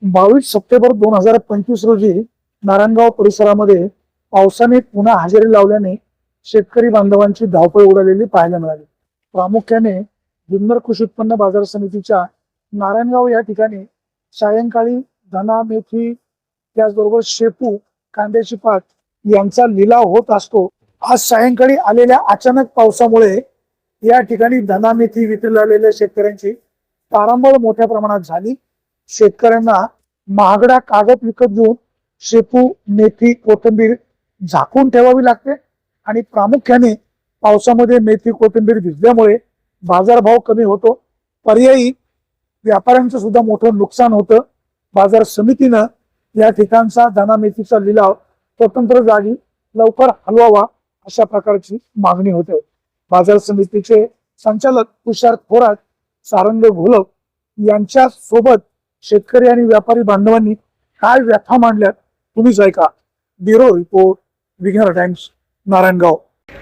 22 September 2025 रोजी नारायणगाव परिसरामध्ये पावसाने पुन्हा हजेरी लावल्याने शेतकरी बांधवांची धावपळ उडालेली पाहायला मिळाली। प्रामुख्याने जुन्नर कृषी उत्पन्न बाजार समितीच्या नारायणगाव या ठिकाणी सायंकाळी धना, मेथी, त्याचबरोबर शेपू, कांद्याची पात यांचा लिलाव होत असतो। आज सायंकाळी आलेल्या अचानक पावसामुळे या ठिकाणी धना, मेथी विक्रीला आलेल्या शेतकऱ्यांची तारांबळ मोठ्या प्रमाणात झाली। शेतकऱ्यांना महागडा कागद विकत घेऊन शेपू, मेथी, कोथिंबीर झाकून ठेवावी लागते आणि प्रामुख्याने पावसामध्ये मेथी, कोथिंबीर भिजल्यामुळे बाजारभाव कमी होतो। पर्यायी व्यापाऱ्यांचं सुद्धा मोठं नुकसान होतं। बाजार समितीनं या ठिकाणचा धना, मेथीचा लिलाव स्वतंत्र जागी लवकर हलवावा अशा प्रकारची मागणी होते। बाजार समितीचे संचालक तुषार थोरात, सारंग घोलप यांच्या सोबत शेतकरी आणि व्यापारी बांधवांनी काय व्यथा मांडल्यात तुम्हीच ऐका। Bureau report, Vighnar Times, Narayangaon.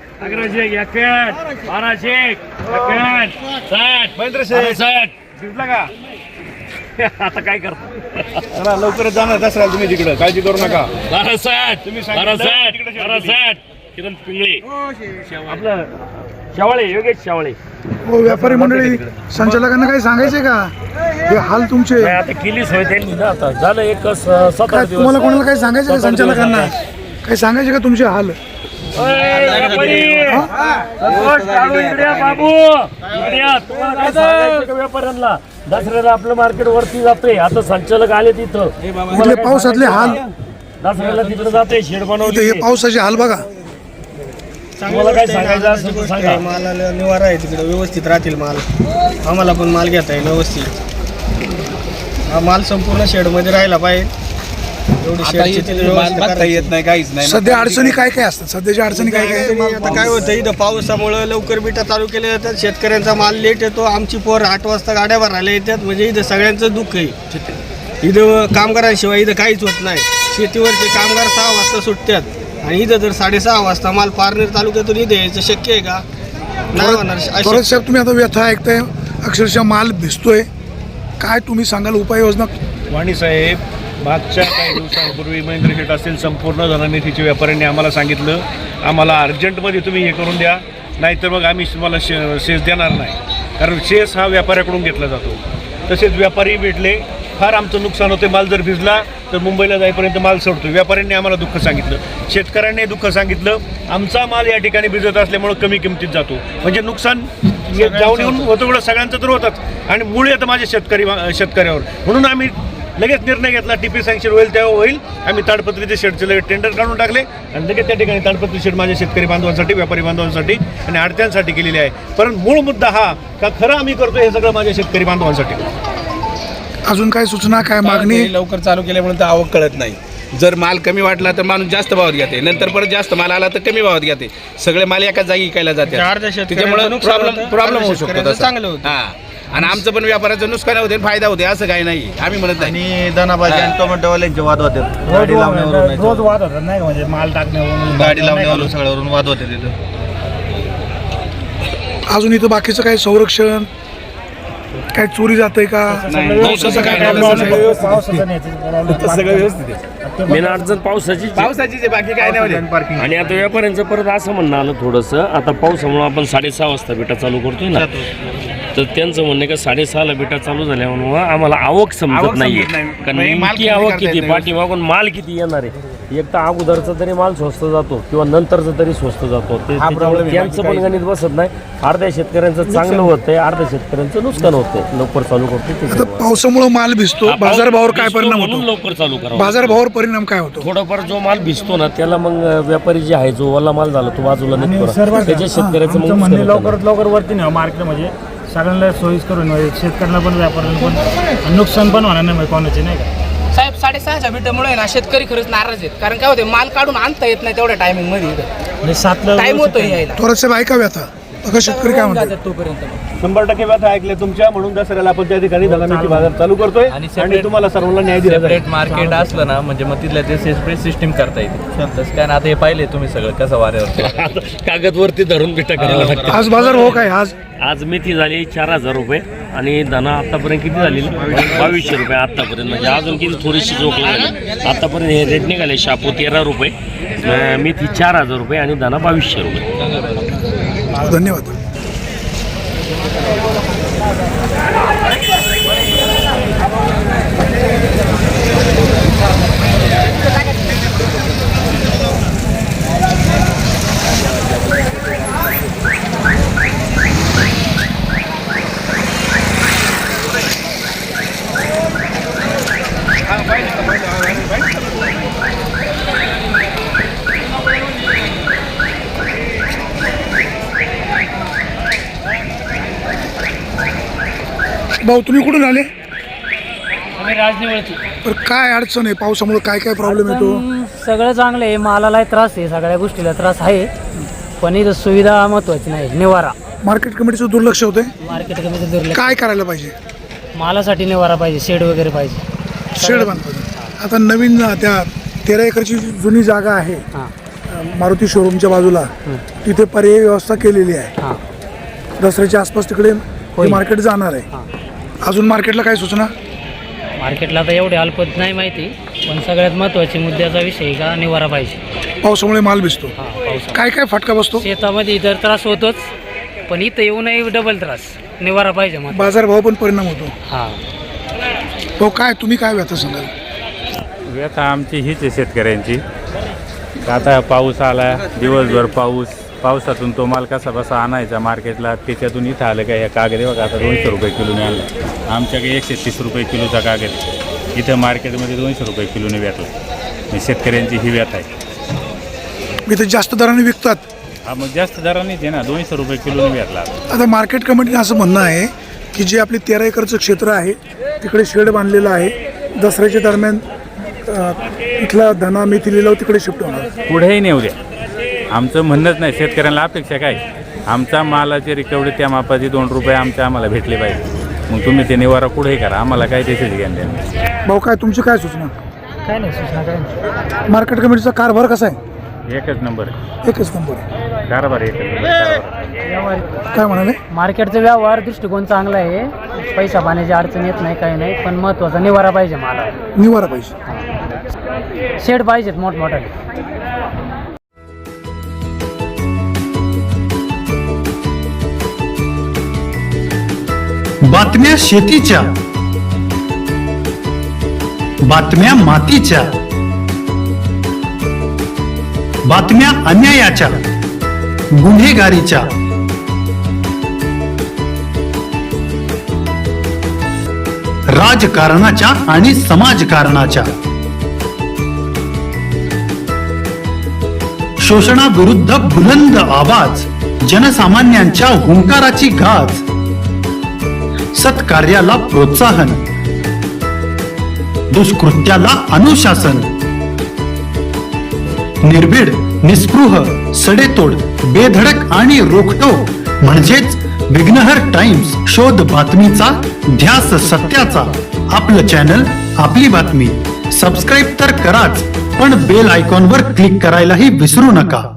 आता काय करतो? चला लवकरच जाणार दसऱ्याला तुम्ही तिकडे, काळजी करू नका। किरण पिंगळे, आपलं शेवाळे, योगेश शेवाळे। हो, व्यापारी मंडळी संचालकांना काही सांगायचे का? हे हाल तुमचे आता केलीच होय त्यांनी ना, आता झालं एक 7-8 काय दिवस। तुम्हाला कोणाला काही सांगायचं का? संचालकांना काही सांगायचे का तुमचे हाल? बाबू तुम्हाला काय सांगायचं का व्यापाऱ्यांना? दसऱ्याला आपलं मार्केट वरती जातंय, आता संचालक आले तिथं, इथले पावसातले हाल, दसऱ्याला तिकडे जाते, शेड इथे बनवले। हे पावसाचे हाल बघा। तुम्हाला काय सांगायचं असेल तर सांगा। मालाला निवारा आहे तिकडे, व्यवस्थित राहतील माल, आम्हाला पण माल घेता येईल व्यवस्थित। हा माल संपूर्ण शेडमध्ये राहिला पाहिजे, एवढी शेडची बघता येत नाही, काहीच नाही। सध्या अडचणी काय काय असतात? सध्याच्या अडचणी काय काय? आता काय होतं, इथं पावसामुळे लवकर बिटा चालू केल्या जातात, शेतकऱ्यांचा माल लेट येतो। आमची पोर 8 वाजता गाड्या भरायला येतात, म्हणजे इथं सगळ्यांचं दुःख आहे। इथं कामगारांशिवाय इथं काहीच होत नाही। शेतीवरचे कामगार 6 वाजता सुटतात आणि इथं जर 6:30 वाजता माल पारनेर तालुक्यातून इथे यायचं शक्य आहे का? नाही होणार। परत साहेब, तुम्ही आता व्यथा ऐकताय, अक्षरशः माल भिजतोय, काय तुम्ही सांगाल उपाययोजना? वाणी साहेब, मागच्या काही दिवसांपूर्वी महेंद्र शेठ असेल, संपूर्ण धना, मेथीच्या व्यापाऱ्यांनी आम्हाला सांगितलं, आम्हाला अर्जंटमध्ये तुम्ही हे करून द्या, नाहीतर मग आम्ही तुम्हाला शेस देणार नाही, कारण शेस हा व्यापाऱ्याकडून घेतला जातो। तसेच व्यापारी भेटले, फार आमचं नुकसान होते। माल जर भिजला तर मुंबईला जाईपर्यंत माल सोडतो। व्यापाऱ्यांनी आम्हाला दुःख सांगितलं, शेतकऱ्यांनी दुःख सांगितलं, आमचा माल या ठिकाणी भिजत असल्यामुळे कमी किमतीत जातो, म्हणजे नुकसान जाऊन येऊन होतं, एवढं सगळ्यांचं तर होतंच आणि मूळ येतं माझ्या शेतकऱ्यावर। म्हणून आम्ही लगेच निर्णय घेतला, टीपी सँक्शन होईल तेव्हा होईल। आम्ही ताडपत्रीचे शेडचे लगेच टेंडर काढून टाकले आणि लगेच त्या ठिकाणी ताडपत्री शेड माझ्या शेतकरी बांधवांसाठी, व्यापारी बांधवांसाठी आणि आडत्यांसाठी केलेली आहे। पण मूळ मुद्दा हा का खरं आम्ही करतो हे सगळं माझ्या शेतकरी बांधवांसाठी। अजून काय सूचना, काय मागणी? लवकर चालू केल्यामुळे तर आवक कळत नाही। जर माल कमी वाटला तर माणूस जास्त भावात घेते, नंतर परत जास्त माल आला तर कमी भावात घेते, सगळे माल एकाच जागी विकायला जाते, त्याच्यामुळे प्रॉब्लेम होऊ शकतो। चांगलं होतं। हा, आणि आमचं पण व्यापाराचं नुकसान होते, फायदा होते, असं काही नाही, आम्ही म्हणत नाही। आणि धनाभाजी आणि टोमॅटोवाल्यांचे वाद होते, गाडी लावण्यावरून, रोज वाद होतात नाही, म्हणजे माल टाकण्यावरून, गाडी लावण्यावरून सगळ्यावरून वाद होते तिथं। अजून इथं बाकीचं काय संरक्षण, काय चोरी जातंय का? सगळं व्यवस्थित आहे। मेन अडचण पावसाची पावसाची बाकी काय नाही। आणि आता व्यापाऱ्यांचं परत असं म्हणणं आलं थोडंसं, आता पावसामुळे आपण 6:30 वाजता बिटा चालू करतोय ना, तर त्यांचं म्हणणं का 6:30ला बिटा चालू झाल्यामुळे आम्हाला आवक समजत नाहीये, कारण नेमकी आवक किती, पाठीमागून माल किती येणार आहे। एक तर अगोदरचा तरी माल स्वस्त जातो किंवा नंतरचा तरी स्वस्त जातो, त्यांचं पण गणित बसत नाही। अर्ध्या शेतकऱ्यांचं चांगलं होतंय, अर्ध्या शेतकऱ्यांचं नुकसान होतंय। लवकर चालू करतो, आता पावसामुळे माल भिजतो, बाजारभावावर काय परिणाम म्हणून होतो? लवकर चालू करा। बाजारभावावर परिणाम काय होतो? थोडाफार जो माल भिजतो ना, त्याला मग व्यापारी जे आहे, जो ओला माल झाला तो बाजूला निघतो, त्याच्या शेतकऱ्याचं मग म्हणणे लवकरात लवकर वरती नाही मार्केट, म्हणजे सगळ्यांना सोयीस्कर होईल, शेतकऱ्यांना पण व्यापाऱ्यांना पण नुकसान पण होणार नाही कोणाचे, नाही का साहेब? 6:30च्या बिटामुळे ना शेतकरी खरंच नाराज आहेत, कारण काय होते, माल काढून आणता येत नाही तेवढ्या टायमिंग मध्ये, टाइम होतो यायला। थोडंसं ऐका व्यथा। बघा शेतकरी काय म्हणतात. तोपर्यंत 100% व्यथा ऐकले तुमच्या, म्हणून दसऱ्याला आपण त्या ठिकाणी धनामेथी बाजार चालू करतोय आणि तुम्हाला सर्वांना न्याय दिला जाईल. सेपरेट मार्केट असलं ना म्हणजे मग तिथल्या ते सेपरेट सिस्टीम करता येते. तसं काय ना, आता हे पाहिले तुम्ही सगळं कसं वाऱ्यावर कागदवरती धरून बिटा करायला लागते. आज बाजार भाव काय आज मेथी झाली 4000 रुपये आणि धना आतापर्यंत किती झालेली 2200 रुपये आतापर्यंत. म्हणजे अजून किती थोडीशी जोक लागली. आतापर्यंत हे रेट निघाले. शापू 13 रुपये, मेथी 4000 रुपये आणि धना 2200 रुपये. धन्यवाद. भाऊ तुम्ही कुठून आले? आम्ही राजनिवळची. तर काय अडचण आहे पावसामुळे, काय काय प्रॉब्लेम येतो? सगळं चांगलं आहे, मालाला त्रास आहे, सगळ्या गोष्टीला त्रास आहे, पण इथं सुविधा महत्वाची नाही. निवारा, मार्केट कमिटीचं दुर्लक्ष होतंय. मार्केट कमी दुर्लक्ष. काय करायला पाहिजे? मालासाठी निवारा पाहिजे, शेड वगैरे पाहिजे. शेड बांधतो. आता नवीन त्या 13 एकरची जुनी जागा आहे हां मारुती शोरूमच्या बाजूला, तिथे पर्यायी व्यवस्था केलेली आहे. हां दसऱ्याच्या आसपास तिकडे होईल. मार्केट जाणार आहे. हां. अजून मार्केटला काय सूचना? मार्केटला आता एवढे अल्पत नाही माहिती, पण सगळ्यात महत्वाची मुद्द्याचा विषय का निवारा पाहिजे. पावसामुळे माल भिजतो. हां पाऊस. काय काय फटका बसतो? शेतामध्ये इतर त्रास होतोच, पण इथं येऊनही डबल त्रास. निवारा पाहिजे मग. बाजारभाव पण परिणाम होतो. हां तो काय तुम्ही काय व्यथा सांगाल? व्यथा आमची हीच आहे शेतकऱ्यांची. आता पाऊस आला, दिवसभर पावसातून तो माल कसा बसा आणायचा मार्केटला, त्याच्यातून इथं आलं काय ह्या कागद बघा आता 200 रुपये किलोने आणला. आमच्याकडे 130 रुपये किलोचा कागद आहे, इथं मार्केटमध्ये 200 रुपये किलोने भेटला. शेतकऱ्यांची ही व्यथा आहे. इथे जास्त दराने विकतात. हा मग जास्त दरानेच आहे ना, 200 रुपये किलोने भेटला. आता मार्केट कमिटीने असं म्हणणं आहे की जे आपले 13 एकरचं क्षेत्र आहे तिकडे शेड बांधलेलं आहे, दसऱ्याच्या दरम्यान इथला धना मेथी लिलाव तिकडे शिफ्ट होणार. पुढेही नेऊ द्या, आमचं म्हणणंच नाही. शेतकऱ्यांना अपेक्षा काय, आमचा मालाचे रिकवरी त्या मापाचे 2 रुपये आम्हाला भेटले पाहिजे. मग तुम्ही ते निवारा पुढेही करा, आम्हाला काय त्याच्याच ज्ञान द्या. भाऊ काय तुमची काय सूचना? काय नाही सूचना काय नाही. मार्केट कमिटीचा कारभार कसा आहे? एकच नंबर आहे. एकच नंबर आहे. कारभार एकच नंबर कारभार. काय म्हणाले? मार्केटचा व्यवहार दृष्टिकोन चांगला आहे, पैसा पाण्याची अडचण येत नाही, काही नाही, पण महत्वाचा निवारा पाहिजे मला. निवारा पाहिजे. शेड पाहिजेत मोठमोठाले. बातम्या शेतीच्या, बातम्या मातीच्या, बातम्या अन्यायाच्या, गुन्हेगारीच्या, राजकारणाच्या आणि समाजकारणाच्या, शोषणाविरुद्ध बुलंद आवाज, जनसामान्यांच्या हुंकाराची गाज, सत्कार्याला प्रोत्साहन, दुष्कृत्याला अनुशासन, निर्भीड, निस्पृह, सडेतोड, बेधडक आणि रोखटोक म्हणजेच विघ्नहर टाइम्स. शोध बातमीचा, ध्यास सत्याचा. आपलं चॅनल, आपली बातमी. सबस्क्राईब तर कराच, पण बेल आयकॉनवर क्लिक करायलाही विसरू नका.